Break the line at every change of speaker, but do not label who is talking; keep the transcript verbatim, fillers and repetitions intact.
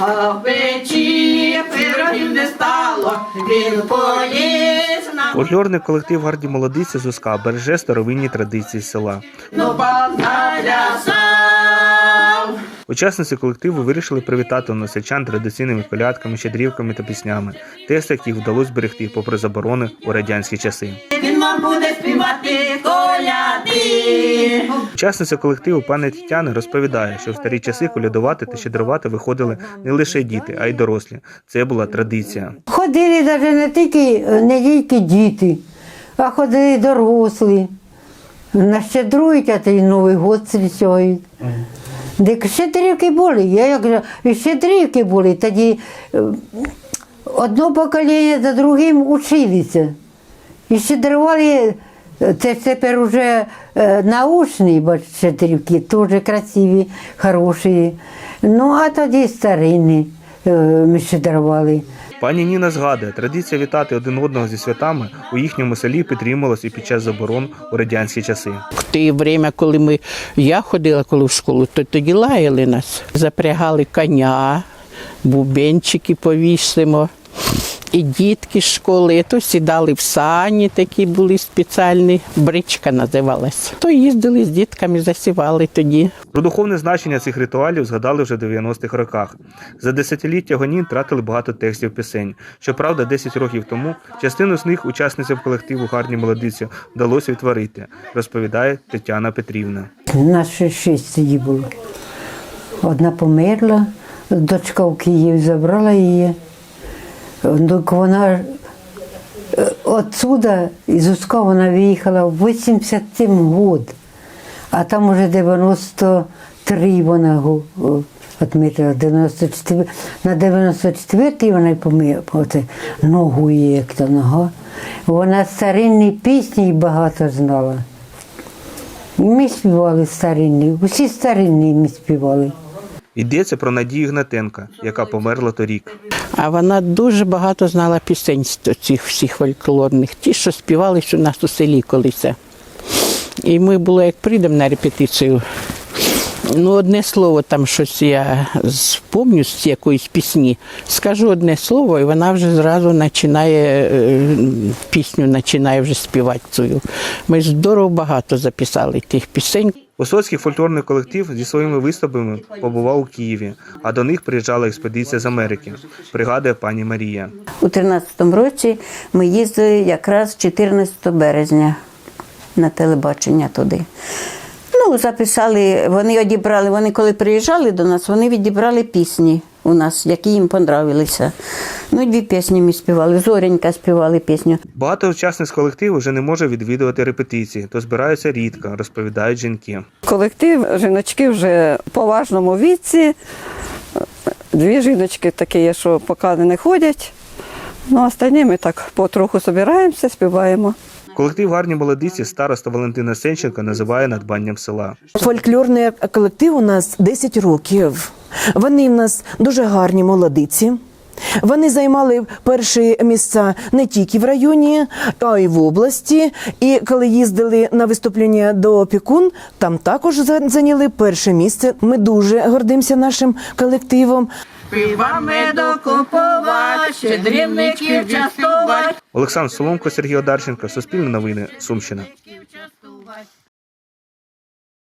а в печі пирогів не стало, він поліз на...
Фольклорний колектив «Гарні молодиці» з Узка береже старовинні традиції села.
Ну, налясав.
Учасниці колективу вирішили привітати односельчан традиційними колядками, щедрівками та піснями, текст яких вдалося зберегти попри заборони у радянські часи.
Він вам буде співати коляди.
Учасниця колективу пані Тетяна розповідає, що в старі часи колядувати та щедрувати виходили не лише діти, а й дорослі. Це була традиція.
Ходили навіть не тільки, не тільки діти, а ходили дорослі. Нащедрують, а то й Новий год зустрічають. Де щедрівки були, я як же, і щедрівки були, тоді одне покоління за другим училися. І щедрували, це тепер вже научні, бо щедрівки, теж красиві, хороші. Ну, а тоді старинні ми щедрували.
Пані Ніна згадує, традиція вітати один одного зі святами у їхньому селі підтримувалась і під час заборон у радянські часи.
В те время, коли ми, я ходила коли в школу, то тоді лаяли нас. Запрягали коня, бубенчики повісимо. І дітки з школи, то сідали в сані, такі були спеціальні, бричка називалась. То їздили з дітками, засівали тоді.
Про духовне значення цих ритуалів згадали вже в дев'яностих роках. За десятиліття гонін тратили багато текстів пісень. Щоправда, десять років тому частину з них учасницям колективу «Гарні молодиці» вдалося відтворити, розповідає Тетяна Петрівна.
Нас ще шість тоді було. Одна померла, дочка в Київ забрала її. Вона відсюди, із Узка, вона виїхала в вісімдесят сьомий год, а там уже дев'яносто три вона відмітила, дев'яносто чотири. На дев'яносто четвертій вона й померла, ногу її, як то нога. Вона старинні пісні багато знала. І ми співали старинні, усі старинні ми співали.
Йдеться про Надію Гнатенка, яка померла торік.
А вона дуже багато знала пісень з цих всіх фольклорних, ті, що співались у нас у селі колись. І ми були, як прийдемо на репетицію, ну, одне слово, там щось я спомню з якоїсь пісні, скажу одне слово, і вона вже зразу починає, пісню починає вже співати цю. Ми здорово багато записали тих пісень.
Висоцький фольклорний колектив зі своїми виступами побував у Києві, а до них приїжджала експедиція з Америки, пригадує пані Марія.
У тринадцятому році ми їздили якраз чотирнадцятого березня на телебачення туди. Ну, записали, вони одібрали, вони коли приїжджали до нас, вони відібрали пісні у нас, які їм понравилися. Ну, дві пісні ми співали, Зоренька співали пісню.
Багато учасниць колективу вже не може відвідувати репетиції, то збираються рідко, розповідають жінки.
Колектив жіночки вже в поважному віці. Дві жіночки такі є, що поки не ходять. Ну, останні ми так потроху збираємося, співаємо.
Колектив «Гарні молодиці» староста Валентина Сенченко називає надбанням села.
Фольклорний колектив у нас десять років. Вони в нас дуже гарні молодиці. Вони займали перші місця не тільки в районі, а й в області. І коли їздили на виступлення до Опікун, там також зайняли перше місце. Ми дуже гордимося нашим колективом.
Пива медокупувати, щедрівників частувати.
Олександр Соломко, Сергій Одарченко, Суспільне новини, Сумщина.